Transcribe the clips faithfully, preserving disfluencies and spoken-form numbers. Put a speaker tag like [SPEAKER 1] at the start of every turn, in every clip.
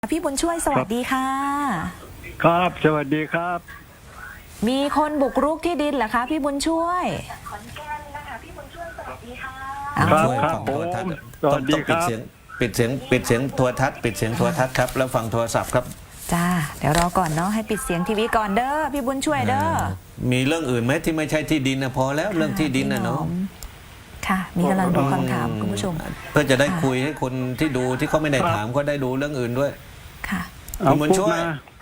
[SPEAKER 1] พี่บุญช่วยสวัสดีค่ะ
[SPEAKER 2] ครับสวัสดีครับ
[SPEAKER 1] มีคนบุกรุกที่ดินเหรอคะพี่บุญช่วย
[SPEAKER 3] ขอนแก่นนะคะพี่บุญช่วยสวัสดีค่ะ
[SPEAKER 2] ครับครับผมสวัสดีครับ
[SPEAKER 4] ปิดเสียงปิดเสียงโทรทัศน์ปิดเสียงโทรทัศน์ครับแล้วฟังโทรศัพท์ครับ
[SPEAKER 1] จ้าเดี๋ยวรอก่อนเนาะให้ปิดเสียงทีวีก่อนเด้อพี่บุญช่วยเด้อ
[SPEAKER 4] มีเรื่องอื่นไหมที่ไม่ใช่ที่ดินนะพอแล้วเรื่องที่ดินนะเนาะ
[SPEAKER 1] ค่ะมีกำลังดูคำถามคุณผู้ชม
[SPEAKER 4] เพื่อจะได้คุยให้คนที่ดูที่เขาไม่ได้ถามก็ได้ดูเรื่องอื่นด้วย
[SPEAKER 1] ค่ะ
[SPEAKER 4] คุณบุญช่วย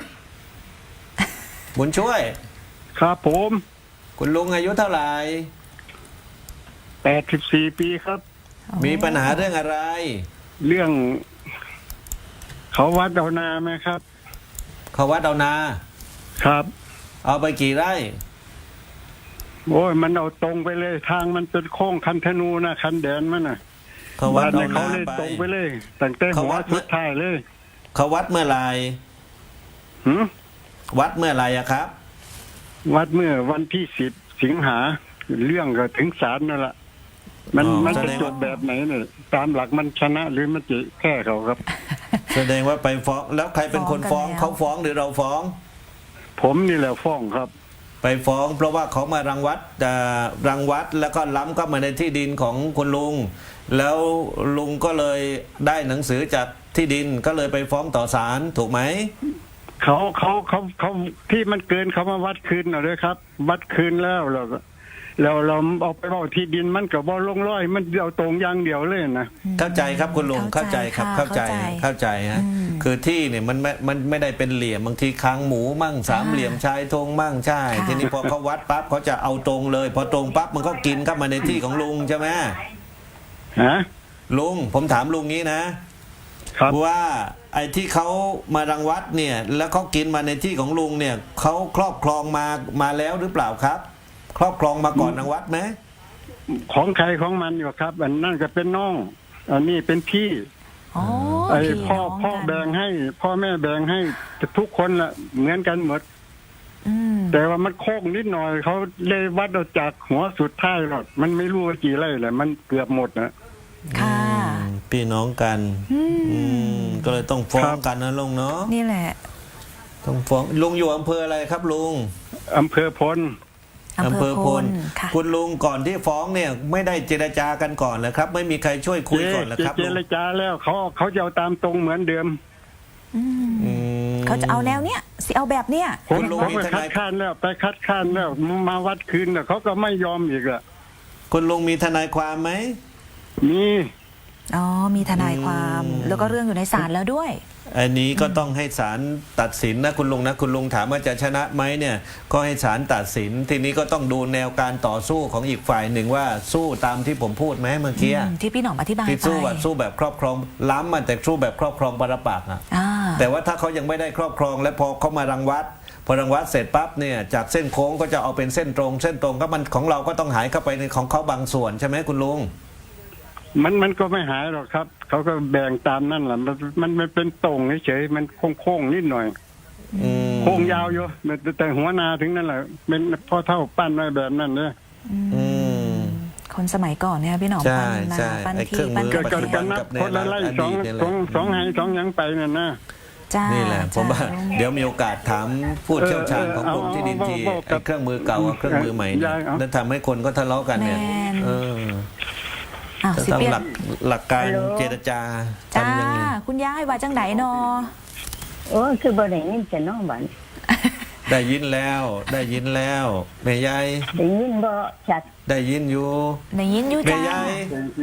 [SPEAKER 4] บุญช่วย
[SPEAKER 2] ครับผม
[SPEAKER 4] คุณลุงอายุเท่าไหร่
[SPEAKER 2] แปดสิบสี่ปีครับ
[SPEAKER 4] มีปัญหาเรื่องอะไร
[SPEAKER 2] เรื่องเขาวัดเอานาไหมครับ
[SPEAKER 4] เขาวัดเอานา
[SPEAKER 2] ครับ
[SPEAKER 4] เอาไปกี่ไร่
[SPEAKER 2] โอ้ยมันเอาตรงไปเลยทางมันเป็นโค้งคันธนูนะคันแดนมันน่ะ
[SPEAKER 4] เขาวัดเอานา
[SPEAKER 2] ไปตรงไปเลยตั้งแต่หัวสุดท้ายเลย
[SPEAKER 4] เขาวัดเมื่อไหร่
[SPEAKER 2] หืม
[SPEAKER 4] วัดเมื่อไหร่อะครับ
[SPEAKER 2] วัดเมื่อวันที่สิบสิงหาเรื่องก็ถึงศาลนั่นแหละมันมันจะจบแบบไหนเนี่ยตามหลักมันชนะหรือมันจะแค่เขาครับ
[SPEAKER 4] แสดงว่าไปฟ้องแล้วใครเป็นคนฟ้องเขาฟ้องหรือเราฟ้อง
[SPEAKER 2] ผมนี่แหละฟ้องครับ
[SPEAKER 4] ไปฟ้องเพราะว่าเขามารังวัดรังวัดแล้วก็ล้ำเข้ามาในที่ดินของคุณลุงแล้วลุงก็เลยได้หนังสือจากที่ดินก็เลยไปฟ้องต่อศาลถูกไหม
[SPEAKER 2] เขาเขาเขาเขาที่มันเกินเขามาวัดคืนหน่อยเลยครับวัดคืนแล้วเราเราเราเอาไปเอาที่ดินมันกับบอลลงร้อยมันเอาตรงอย่างเดียวเลยนะ
[SPEAKER 4] เข้าใจครับคุณลุงเข้าใจครับเข้าใจเข้าใจฮะคือที่เนี่ยมันไม่มันไม่ได้เป็นเหลี่ยมบางทีค้างหมูมั่งสามเหลี่ยมชายธงมั่งใช่ทีนี้พอเขาวัดปั๊บเขาจะเอาตรงเลยพอตรงปั๊บมันก็กินเข้ามาในที่ของลุงใช่ไหม
[SPEAKER 2] ฮะ
[SPEAKER 4] ลุงผมถามลุงนี้นะว่าไอ้ที่เขามารังวัดเนี่ยแล้วเขากินมาในที่ของลุงเนี่ยเขาครอบครองมามาแล้วหรือเปล่าครับครอบครองมาก่อนรังวัดไหม
[SPEAKER 2] ของใครของมันอยู่ครับอันนั่นก็เป็นน้องอันนี้เป็นพี่ไอ้พ่อพ่อแบ่งให้พ่อแม่แบ่งให้ทุกคนละเหมือนกันหมดแต่ว่ามันโค้งนิดหน่อยเขาเลยวัดเอาจากหัวสุดท้ายหรอกมันไม่รู้ว่ากี่ไร่แหละมันเกือบหมดนะ
[SPEAKER 1] ค่ะ
[SPEAKER 4] พี่น้องกันก็เลยต้องฟ้องกันนะลุงเนาะ
[SPEAKER 1] นี่แหละ
[SPEAKER 4] ต้องฟ้องลุงอยู่อำเภออะไรครับลุง
[SPEAKER 2] อำเภอพล
[SPEAKER 4] อำเภอพลคุณลุงก่อนที่ฟ้องเนี่ยไม่ได้เจรจากันก่อนเลยครับไม่มีใครช่วยคุยก่อนเลยครับ
[SPEAKER 2] เจรจาแล้วเขาเขาจะเอาตามตรงเหมือนเดิม
[SPEAKER 1] เขาจะเอาแนวเนี้ยสิเอาแบบเนี้ย
[SPEAKER 2] ผมผมไปคัดค้านแล้วไปคัดค้านแล้วมาวัดคืนแล้วเขาก็ไม่ยอมอีกอะ
[SPEAKER 4] คุณลุงมีทนายความไหม
[SPEAKER 2] มี
[SPEAKER 1] อ๋อมีทนายความแล้วก็เรื่องอยู่ในศาลแล้วด้วย
[SPEAKER 4] อันนี้ก็ต้องให้ศาลตัดสินนะคุณลุงนะคุณลุงถามว่าจะชนะไหมเนี่ยก็ให้ศาลตัดสินทีนี้ก็ต้องดูแนวการต่อสู้ของอีกฝ่ายหนึ่งว่าสู้ตามที่ผมพูดไหมเมื่อกี้
[SPEAKER 1] ที่พี่หน่อมอธิบายไป
[SPEAKER 4] ที่สู้แบบสู้แบบครอบครองล้ำมันแต่สู้แบบครอบครองปรปักษ์อ่ะแต่ว่าถ้าเขายังไม่ได้ครอบครองและพอเขามารังวัดพอรังวัดเสร็จปั๊บเนี่ยจากเส้นโค้งก็จะเอาเป็นเส้นตรงเส้นตรงก็มันของเราก็ต้องหายเข้าไปในของเขาบางส่วนใช่ไหมคุณลุง
[SPEAKER 2] มันมันก็ไม่หายหรอกครับเขาก็แบ่งตามนั่นแหละมันมันมันเป็นตรงเฉยมันโค้งโค้งนิดหน่อยโค้งยาวอยู่แต่หัวนาถึงนั่นแหละเป็นพ่อเท่าปั้นไว้แบบนั้นเลย
[SPEAKER 1] คนสมัยก่อนเนี่ยพี่หนอมปั้นนาปั้นที่ปั้นก
[SPEAKER 2] ระเทียมนับคนละไล่สองสองสองไห้สองยังไปนั่นนะ
[SPEAKER 4] นี่แหละผมว่าเดี๋ยวมีโอกาสถามผู้เชี่ยวชาญของกรมที่ดินทีเครื่องมือเก่ากับเครื่องมือใหม่แล้วทำให้คนก็ทะเลาะกันเนี่ยจะต้องหลักหลักการเจรจา
[SPEAKER 1] จ้าคุณยายว่าจังไหนนอ
[SPEAKER 3] โอ้คือบ่ได้ยินจะน้องบัน
[SPEAKER 4] ได้ยินแล้วได้ยินแล้วแม่ยาย
[SPEAKER 3] ได้ยินบ่ชัด
[SPEAKER 4] ได้ยินอยู่
[SPEAKER 1] ได้ยินอยู่จ้า
[SPEAKER 4] แม่ยาย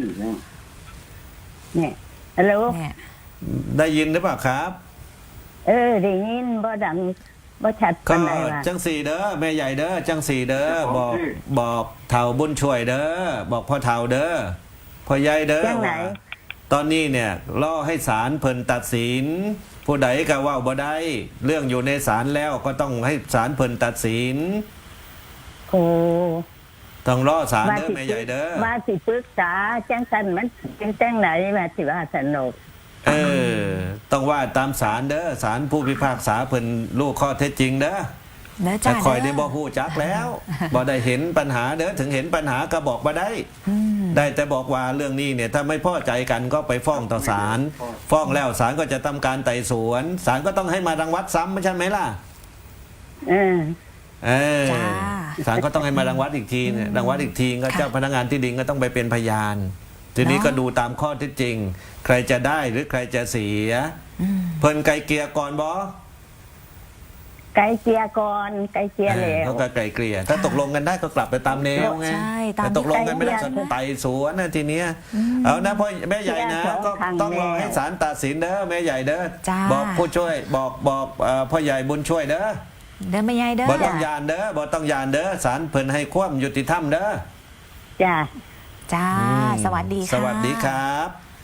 [SPEAKER 3] เนี่ยฮัลโหล
[SPEAKER 4] ได้ยินหรือเปล่าครับ
[SPEAKER 3] เออได้ยินบ่ดังบ่ชัดปานใดว่า
[SPEAKER 4] จังสี่เด้อแม่ใหญ่เด้อจังสี่เด้อบอกบอกเฒ่าบุญช่วยเด้อบอกพ่อเฒ่าเด้อพ่อใหญ่เด้อตอนนี้เนี่ยล่อให้ศาลเพิ่นตัดสินผู้ใดก็ว่าบ่ได้เรื่องอยู่ในศาลแล้วก็ต้องให้ศาลเพิ่นตัดสิน
[SPEAKER 3] โอ้
[SPEAKER 4] ต้องรอศาลเด้อแม่ใหญ่เด้อ
[SPEAKER 3] ว่าสิปรึกษาจังซั่นมันเป็นจังไหนว่าสิว่าสนุก
[SPEAKER 4] เออต้องว่าตามศาลเด้อศาลผู้พิพากษาเพิ่นรู้ข้อเท็จจริงเด้อแต่คอยได้บ่ฮู้จักแล้วบ่ได้เห็นปัญหาเด้อถึงเห็นปัญหาก็บอกบ่ได้ได้แต่บอกว่าเรื่องนี้เนี่ยถ้าไม่พอใจกันก็ไปฟ้องต่อศาลฟ้องแล้วศาลก็จะทำการไต่สวนศาลก็ต้องให้มารังวัดซ้ำไม่ใช่ไหมล่ะ
[SPEAKER 3] เออ
[SPEAKER 4] เออ
[SPEAKER 1] จ้า
[SPEAKER 4] ศาลก็ต้องให้มารังวัดอีกทีเนี่ยรังวัดอีกทีก็
[SPEAKER 1] ค่ะ
[SPEAKER 4] เจ้าพนักงานที่ดินก็ต้องไปเป็นพยาน ทีนี้
[SPEAKER 1] เนาะ
[SPEAKER 4] ก็ดูตามข้อเท็จจริง ใครจะได้หรือใครจะเสีย
[SPEAKER 1] อืม
[SPEAKER 4] เพิ่นไกลเกลียก่อนบอ
[SPEAKER 3] ไกลเกลียก่อนไกลเกลียแล้ว
[SPEAKER 4] เขาก็ไกลเกลี่ยถ้าตกลงกันได้ก็กลับไปตามแนวไง
[SPEAKER 1] ใช่ตาม
[SPEAKER 4] แต่ตกลงกันไม่ได้
[SPEAKER 3] ที่
[SPEAKER 4] ก็
[SPEAKER 3] ไกลเกลี่ย
[SPEAKER 4] ไต่สวนนะทีเนี้ยเอานะพ่อแม่ใหญ่นะ
[SPEAKER 3] เกลี่ย
[SPEAKER 4] ก็
[SPEAKER 3] สองครั้ง
[SPEAKER 4] ต้องรอ
[SPEAKER 3] แล้ว
[SPEAKER 4] ให้ศาลตัดสินเด้อแม่ใหญ่เด้อ
[SPEAKER 1] จ้า
[SPEAKER 4] บอกผู้ช่วยบอกบอกเอ่อพ่อใหญ่บุญช่วยเด้อ
[SPEAKER 1] เดินไม่ยายเด้อ
[SPEAKER 4] บ่ต้องยานเด้อบ่ต้องยานเด้อศาลเพิ่นให้ความยุติธรรมเด้อ
[SPEAKER 3] จ้า
[SPEAKER 1] จ้า สวัสดีค่ะ
[SPEAKER 4] สวัสดีครับ